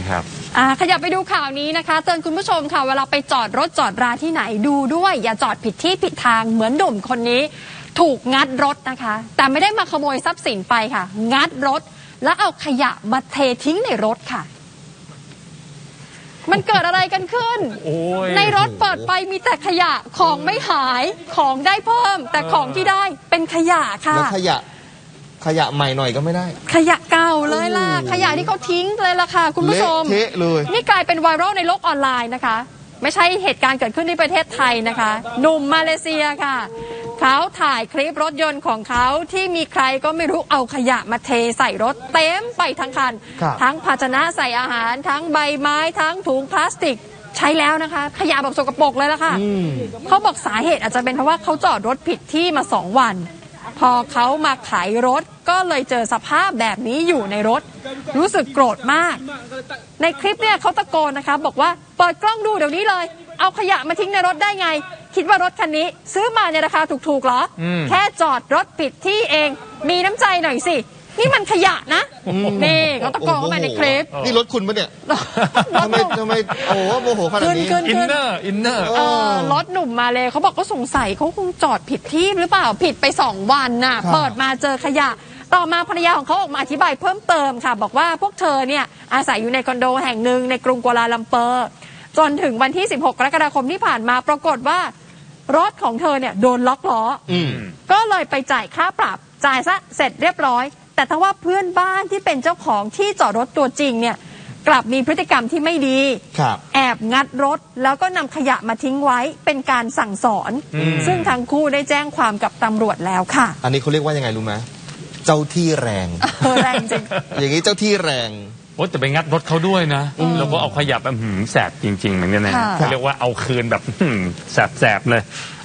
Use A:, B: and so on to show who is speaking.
A: ครับ
B: ขยับไปดูข่าวนี้นะคะเตือนคุณผู้ชมค่ะเวลาไปจอดรถจอดราที่ไหนดูด้วยอย่าจอดผิดที่ผิดทางเหมือนหนุ่มคนนี้ถูกงัดรถนะคะแต่ไม่ได้มาขโมยทรัพย์สินไปค่ะงัดรถแล้วเอาขยะมาเททิ้งในรถค่ะมันเกิดอะไรกันขึ้นในรถเปิดไปมีแต่ขยะของไม่หายของได้เพิ่มแต่ของที่ได้เป็นขยะค่ะ
C: แล้วขยะใหม่หน่อยก็ไม่ได้
B: ขยะเก่าเลยล่ะขยะที่เขาทิ้งเลยล่ะค่ะคุณผู้ชม
C: เละเทะเลย
B: นี่กลายเป็นไวรัลในโลกออนไลน์นะคะไม่ใช่เหตุการณ์เกิดขึ้นที่ประเทศไทยนะคะหนุ่มมาเลเซียค่ะเขาถ่ายคลิปรถยนต์ของเขาที่มีใครก็ไม่รู้เอาขยะมาเทใส่รถเต็มไปทั้งคันทั้งภาชนะใส่อาหารทั้งใบไม้ทั้งถุงพลาสติกใช้แล้วนะคะขยะแบบสกปรกเลยล่ะค่ะเขาบอกสาเหตุอาจจะเป็นเพราะว่าเขาจอดรถผิดที่มา2 วันพอเขามาขายรถก็เลยเจอสภาพแบบนี้อยู่ในรถรู้สึกโกรธมากในคลิปเนี่ยเขาตะโกนนะคะบอกว่าเปิดกล้องดูเดี๋ยวนี้เลยเอาขยะมาทิ้งในรถได้ไงคิดว่ารถคันนี้ซื้อมาในราคาถูกๆเหรอแค่จอดรถผิดที่เองมีน้ำใจหน่อยสินี่มันขยะนะนี่เขาตะโกนเข้ามาในคลิป
C: นี่รถคุณปะเนี่ยทำไมโอ้โมโหขนาดนี้
A: อินเนอร์
B: รถหนุ่มมาเลยเขาบอกก็สงสัยเขาคงจอดผิดที่หรือเปล่าผิดไป2 วันน่ะเปิดมาเจอขยะต่อมาภรรยาของเขาออกมาอธิบายเพิ่มเติมค่ะบอกว่าพวกเธอเนี่ยอาศัยอยู่ในคอนโดแห่งหนึ่งในกรุงกัวลาลัมเปอร์จนถึงวันที่16 กรกฎาคมที่ผ่านมาปรากฏว่ารถของเธอเนี่ยโดนล็อกล้อก็เลยไปจ่ายค่าปรับจ่ายซะเสร็จเรียบร้อยแต่ถ้าว่าเพื่อนบ้านที่เป็นเจ้าของที่จอดรถตัวจริงเนี่ยกลับมีพฤติกรรมที่ไม่ดีแอบงัดรถแล้วก็นำขยะมาทิ้งไว้เป็นการสั่งสอนซึ่งทั้งคู่ได้แจ้งความกับตำรวจแล้วค่ะ
C: อันนี้เขาเรียกว่ายังไงรู้ไหมเจ้าที่แรง
B: แรงจริง
C: อย่างนี้เจ้าที่แรง
A: แต่ไปงัดรถเขาด้วยนะแล้วก็เอาขยะแบบแสบจริงๆเหมือนกันนะเขาเรียกว่าเอาคืนแบบแสบๆเลย